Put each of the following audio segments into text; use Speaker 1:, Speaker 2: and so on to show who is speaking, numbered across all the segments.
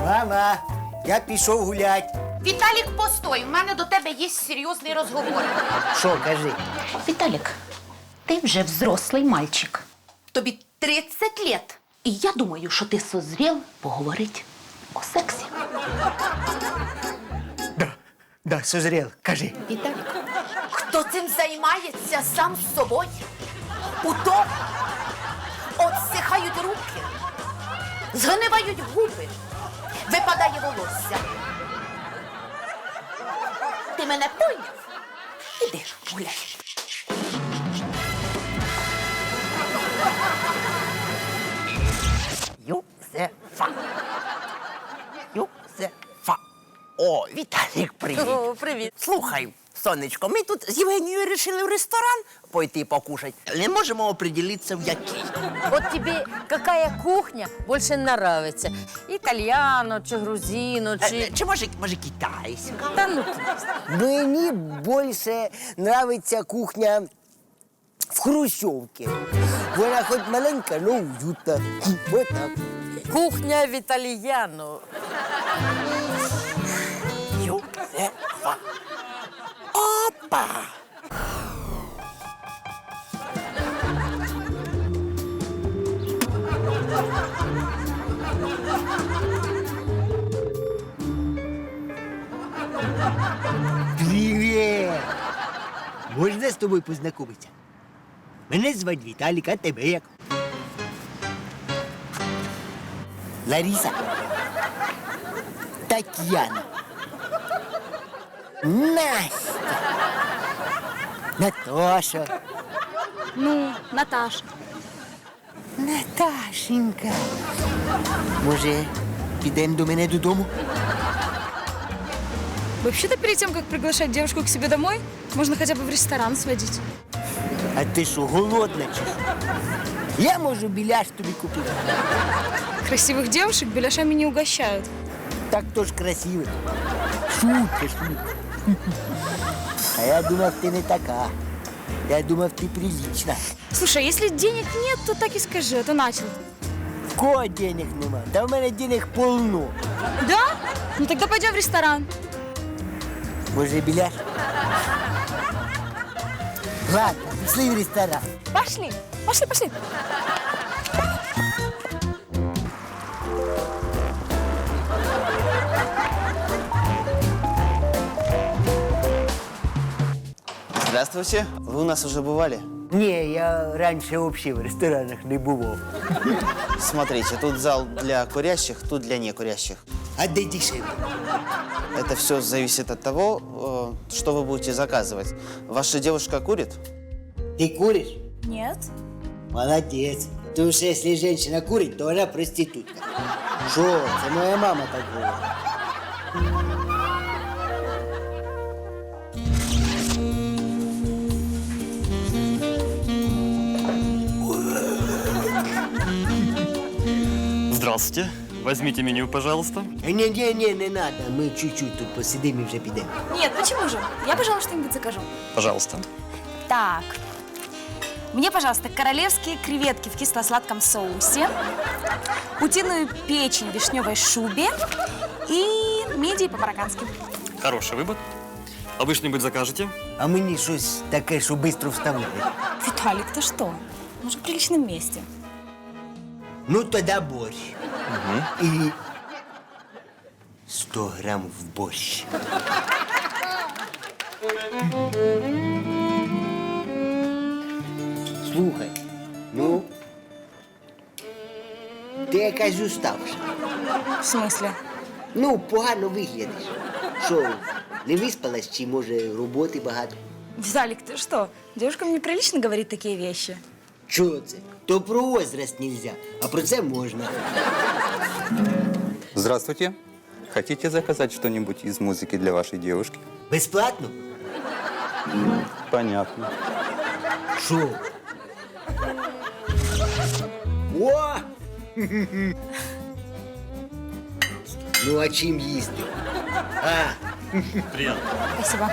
Speaker 1: Мама, я пішов гулять.
Speaker 2: Віталік, постой, у мене до тебе є серйозний розговор.
Speaker 1: Що, кажи?
Speaker 2: Віталік, ти вже взрослий мальчик. Тобі 30 лет. І я думаю, що ти созрів поговорити о сексі.
Speaker 1: Да, созрел, кажи.
Speaker 2: Віталік, хто цим займається сам з собою? У тому отсихають руки, згнивають губи, випадає волосся. Ти мене поняв? Іди ж гуляй.
Speaker 1: Юзефа. Юзефа. О, Віталік, привіт.
Speaker 3: О, привіт.
Speaker 1: Слухай, сонечко, ми тут з Євгенією вирішили в ресторан пойти покушати. Не можемо определитися, в який.
Speaker 3: Вот тебе какая кухня больше нравится? Итальяно, чи грузино, чи...
Speaker 1: Чи може китайська?
Speaker 3: Да ну ты.
Speaker 4: Мені більше нравиться кухня в Хрущовці. Вона хоч маленька, але уютна. Вот так.
Speaker 3: Кухня в итальяно.
Speaker 1: Юзефа. Опа!
Speaker 4: Привіт! Можна з тобою познайомитися? Мене звати Віталік, а тебе як? Лариса. Тетяна. Настя. Наташа.
Speaker 5: Ну, Наташа.
Speaker 4: Наташенька. Може, підемо до мене додому?
Speaker 5: Вообще-то перед тем, как приглашать девушку к себе домой, можно хотя бы в ресторан сводить.
Speaker 4: А ти що, голодна чи що? Я можу біляш тобі купити.
Speaker 5: Красивых девушек беляшами не угощают.
Speaker 4: Так то ж красиво. Шутка. А я думав, ти не така. Я думав, ти прилична.
Speaker 5: Слушай, а если денег нет, то так и скажи, а то начал.
Speaker 4: В кого денег нема? Та в мене денег полно.
Speaker 5: Да? Ну тогда пойдем в ресторан.
Speaker 4: Може, біляш? Ладно, пішли в ресторан.
Speaker 5: Пошли, пошли.
Speaker 6: Здравствуйте. Вы у нас уже бывали?
Speaker 4: Ні, я раніше взагалі в ресторанах не бував.
Speaker 6: Смотрите, тут зал для курящих, тут для некурящих.
Speaker 4: А де дешевле?
Speaker 6: Это все зависит от того, что вы будете заказывать. Ваша девушка курит?
Speaker 4: Ти куриш?
Speaker 5: Нет.
Speaker 4: Молодець. Тому що якщо жінка курить, то вона проститутка. Що? Це моя мама так говорить.
Speaker 7: Здравствуйте. Возьмите меню, пожалуйста.
Speaker 4: Ні, не надо. Ми чуть-чуть тут посидимо і вже підемо.
Speaker 5: Нет, почему же? Я, пожалуй, что-нибудь закажу.
Speaker 7: Пожалуйста.
Speaker 5: Так. Мне, пожалуйста, королевские креветки в кисло-сладком соусе, утиную печень в вишневой шубе и мидии по-мароккански.
Speaker 7: Хороший выбор. А вы что-нибудь закажете?
Speaker 4: А мені щось таке, що швидко вставляє.
Speaker 5: Виталик, ты что? Мы же в приличном месте.
Speaker 4: Ну, тоді борщ. І 100 грам в борщ. Слухай, ну, ти якась уставша.
Speaker 5: В смысле?
Speaker 4: Ну, погано виглядиш. Що, не виспалась, чи, може, роботи багато?
Speaker 5: Виталик, ты что? Девушкам неприлично говорить такие вещи.
Speaker 4: Чого це? То про возраст нельзя, а про це можна.
Speaker 8: Здравствуйте. Хотите заказать что-нибудь из музыки для вашей девушки?
Speaker 4: Безплатно?
Speaker 8: Понятно.
Speaker 4: Що? О! Ну, а чим їсти? А,
Speaker 7: Приятно.
Speaker 5: Спасибо.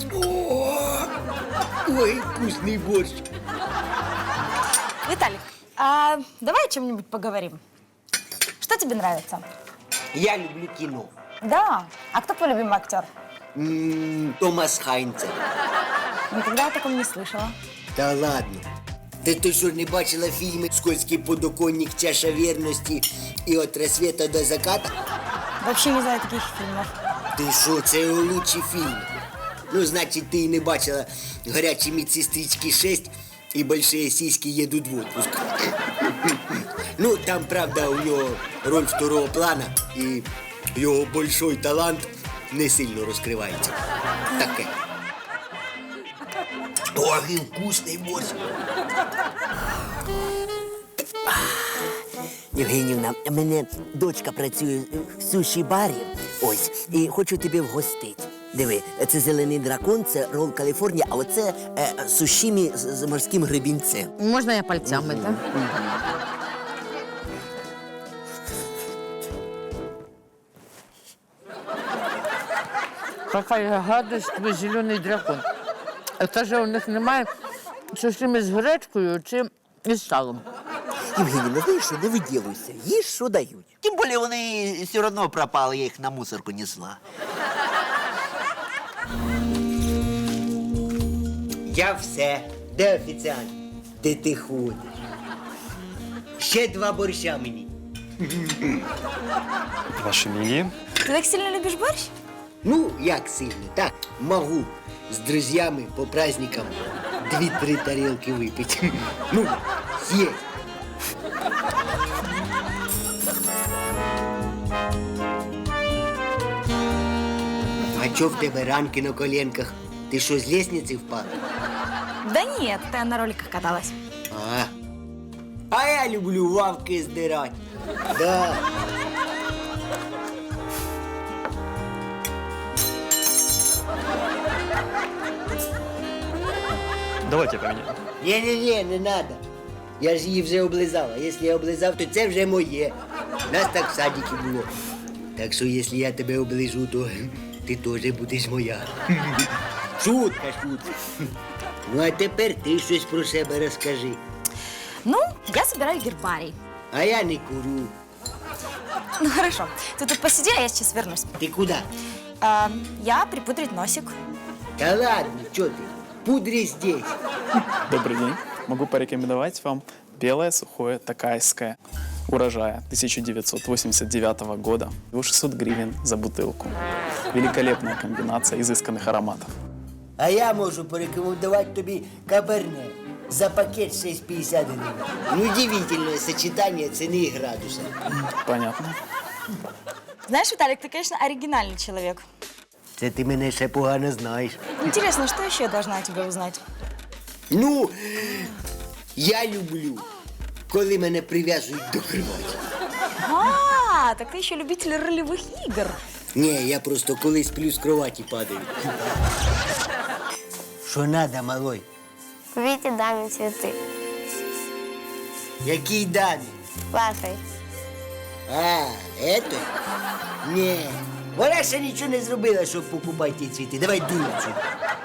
Speaker 4: ой, вкусний борщ.
Speaker 5: Виталик, А давай о чем-нибудь поговорим. Что тебе нравится?
Speaker 4: Я люблю кіно.
Speaker 5: Да. А кто твой любимый актер?
Speaker 4: Томас Хайнцер.
Speaker 5: Никогда я о таком не слышала.
Speaker 4: Та ладно. Ти що, не бачила фільми «Скользкий подоконник», «Чаша вірності» і «От рассвета до заката»?
Speaker 5: Вообще не знаю таких фильмов.
Speaker 4: Ти що, це його лучші фільми. Ну, значить, ти і не бачила «Гарячі медсестрички 6» і «Большие сиськи едут в отпуск». Ну, там, правда, у нього роль второго плана, і його большой талант не сильно розкривається. Таке. Ой, і вкусний борщ. Євгенівна, у мене дочка працює в суші-барі, ось, і хочу тебе вгостити. Диви, це зелений дракон, це рол Каліфорнія, а оце сушімі з морським гребінцем.
Speaker 3: Можна я пальцями, так? Какая гадость, твій зелений дракон. Це ж у них немає сушими з гречкою чи із салом.
Speaker 4: Євгенівна, знаєш що, не виділуйся, їж, що дають.
Speaker 1: Тим більше вони все одно пропали, я їх на мусорку несла.
Speaker 4: Я все. Де офіціант? Де ти ходиш? Ще 2 борща мені.
Speaker 7: Ваше мнение?
Speaker 5: Ты так сильно любишь борщ?
Speaker 4: Ну, як сильно, так, можу з друзями по праздникам 2-3 тарілки випити. Ну, є. А чо в тебе ранки на коленках? Ти що, з лестниці впав?
Speaker 5: Да нет, это я на роликах каталась.
Speaker 4: А я люблю лавки здирати. Да.
Speaker 7: Давайте поменяем.
Speaker 4: Ні, не надо. Я ж її вже облизав. А якщо я облизав, то це вже моє. Нас так в садіки було. Так що, якщо я тебе оближу, то ти теж будеш моя. Шутка. Ну, а тепер ти щось про себе розкажи.
Speaker 5: Ну, я собираю гербарий.
Speaker 4: А я не курю.
Speaker 5: Ну хорошо, ты тут посиди, а я сейчас вернусь.
Speaker 4: Ти куди?
Speaker 5: Я припудрить носик.
Speaker 4: Та ладно, чо ти? Пудри здесь.
Speaker 9: Добрый день. Могу порекомендовать вам белое сухое такайское урожая 1989 года. 600 гривен за бутылку. Великолепная комбинация изысканных ароматов.
Speaker 4: А я можу порекомендувати тобі каберне. За пакет 6,50 гривень. Ну, удивительное сочетание цены и градуса.
Speaker 9: Понятно.
Speaker 5: Знаешь, Виталик, ты, конечно, оригинальный человек.
Speaker 4: Це ти мене ще погано знаєш.
Speaker 5: Интересно, что еще я должна о тебе узнать?
Speaker 4: Ну, я люблю, коли мене прив'язують до кроваті.
Speaker 5: А, так ты еще любитель ролевых игр.
Speaker 4: Ні, я просто коли сплю з кроваті падаю. Що надо, малой?
Speaker 10: Купите даме цветы.
Speaker 4: Який дані?
Speaker 10: Вашей.
Speaker 4: А, это? Ні. Вона ще нічого не зробила, щоб покупати ті цвіти. Давай дуй отсюда.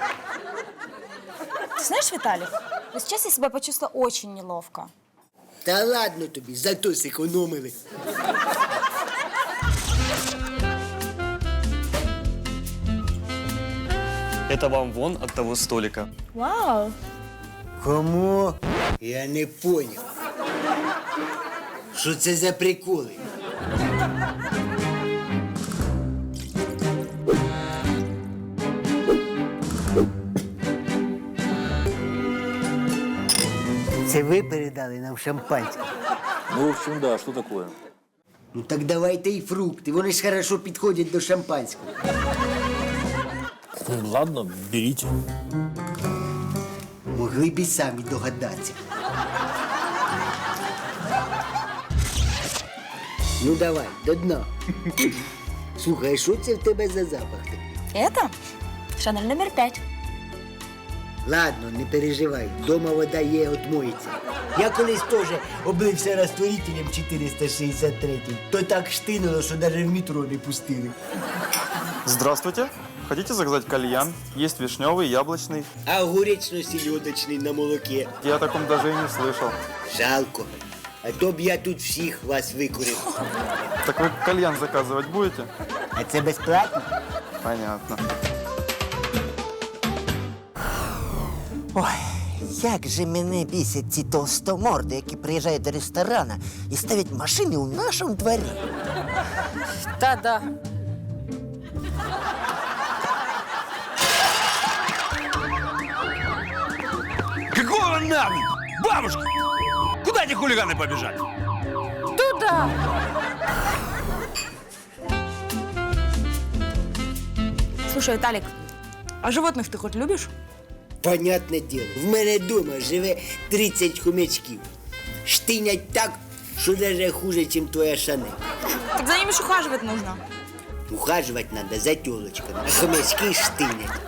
Speaker 5: Ты знаешь, Виталик, вот сейчас я себя почувствовала очень неловко.
Speaker 4: Та ладно тобі, зато зекономили.
Speaker 7: Это вам вон от того столика.
Speaker 5: Вау.
Speaker 4: Кому? Я не понял. Що це за приколи? Це ви передали нам шампанське?
Speaker 8: Ну, в общем, да, что такое?
Speaker 4: Ну так давайте і фрукти, вони ж хорошо підходять до шампанського.
Speaker 11: Ладно, берите.
Speaker 4: Могли б і самі догадатися. Ну давай, до дна. Слухай, а що це в тебе за запах такий?
Speaker 5: Это Шанель номер 5.
Speaker 4: Ладно, не переживай, дома вода є, отмоється. Я колись теж облився розтворителем 463, то так штинуло, що навіть в метро не пустили.
Speaker 7: Здравствуйте.
Speaker 9: Хотите заказать кальян? Есть вишневый, яблочный.
Speaker 4: А огуречно-сільодочний на молоке.
Speaker 9: Я о таком даже и не слышал.
Speaker 4: Жалко. А то б я тут всіх вас викурив.
Speaker 9: Так вы кальян заказывать будете?
Speaker 4: А це безплатно?
Speaker 9: Понятно.
Speaker 1: Ой, як же мене бісять ці толстоморди, які приїжджають до ресторана і ставлять машини у нашому дворі.
Speaker 3: Та-да.
Speaker 11: Какого нам? Бабушка! Куда эти хулиганы побежали?
Speaker 3: Туда.
Speaker 5: Слушай, Виталик, а животных ты хоть любишь?
Speaker 4: Понятне діло. В мене вдома живе 30 хомячків. Штинять так, що навіть хуже, ніж твоя Шанель.
Speaker 5: Так за ними ж ухаживать нужно.
Speaker 4: Ухаживать надо за тілочками, а хомячки штинять.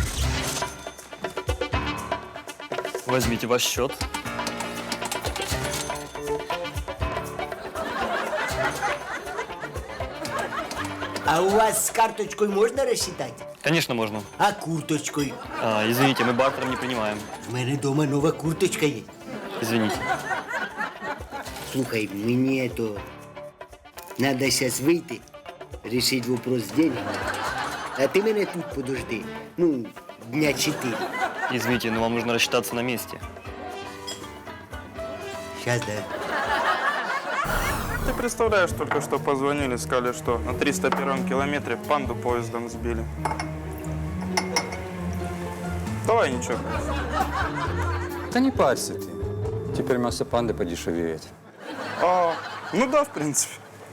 Speaker 7: Возьмите ваш счет.
Speaker 4: А у вас з карточкою можна розчитати?
Speaker 7: Конечно, можно.
Speaker 4: А курточкою?
Speaker 7: Извините, мы бартером не принимаем.
Speaker 4: В мене вдома нова курточка є.
Speaker 7: Извините.
Speaker 4: Слухай, мені то надо зараз вийти, рішити вопрос з деньгами. А ти мене тут подожди. Ну, дня 4.
Speaker 7: Извините, но вам нужно рассчитаться на месте.
Speaker 4: Сейчас, да.
Speaker 9: Ты представляешь, только что позвонили, сказали, что на 301 километре панду поездом сбили. Давай ничего.
Speaker 8: Да не парься ты. Теперь мясо панды подешевеет.
Speaker 9: Ну да, в принципе.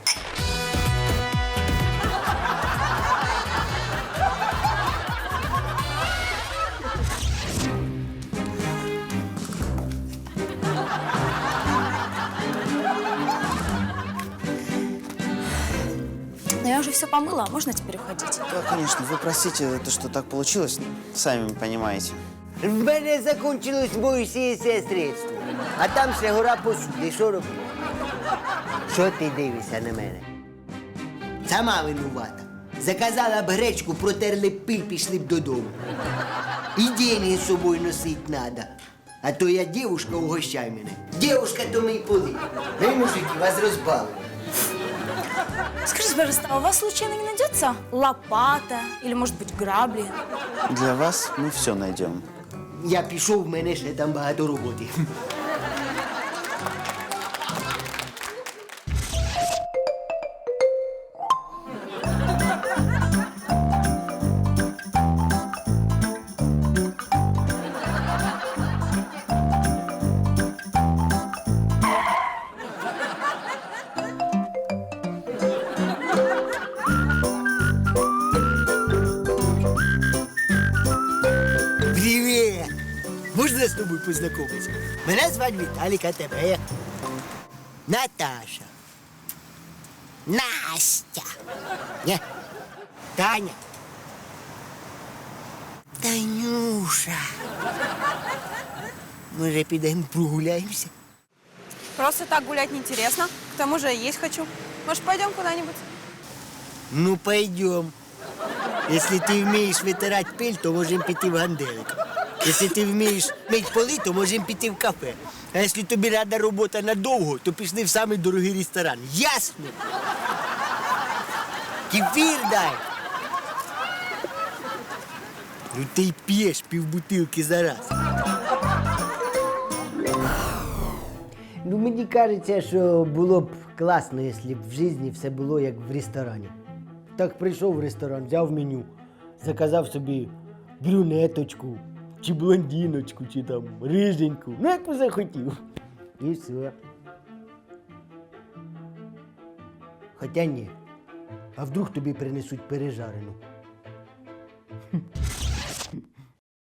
Speaker 5: Но я уже все помыла, можно теперь уходить?
Speaker 6: Да, конечно, вы простите, то, что так получилось, сами понимаете.
Speaker 4: В мене закінчилось моїсеєве средство. А там ще гора посуди. Що робити? Що ти дивишся на мене? Сама винувата. Заказала б гречку, протерли б пиль, пішли б додому. І деньги з собою носить надо. А то я дівушка, угощай мене. Дівушка, то мій поли. Ви, мужики, вас розбавили.
Speaker 5: Скажите, пожалуйста, а у вас случайно не найдется лопата или, может быть, грабли?
Speaker 6: Для вас мы все найдем.
Speaker 4: Я пішов, в мене ще там багато роботи. Привіт! Можна з тобою познайомитися? Мене звати Віталік, а тебе як? Наташа. Настя. Ні. Таня. Танюша. Може, підемо прогуляємося?
Speaker 5: Просто так гулять неинтересно. К тому же есть хочу. Может, пойдем куда-нибудь?
Speaker 4: Ну, пойдем. Если ты вмієш витирати пиль, то можемо піти в ганделик. Якщо ти вмієш мити поли, то можемо піти в кафе. А якщо тобі рада робота надовго, то пішли в самий дорогий ресторан. Ясно? Кефір дай. Ну ти й п'єш півбутилки за раз. Ну, мені кажеться, що було б класно, якщо б в житті все було як в ресторані. Так прийшов в ресторан, взяв меню, заказав собі брюнеточку, чи блондиночку, чи там риженьку. Ну, як би захотів. І все. Хоча ні. А вдруг тобі принесуть пережарену?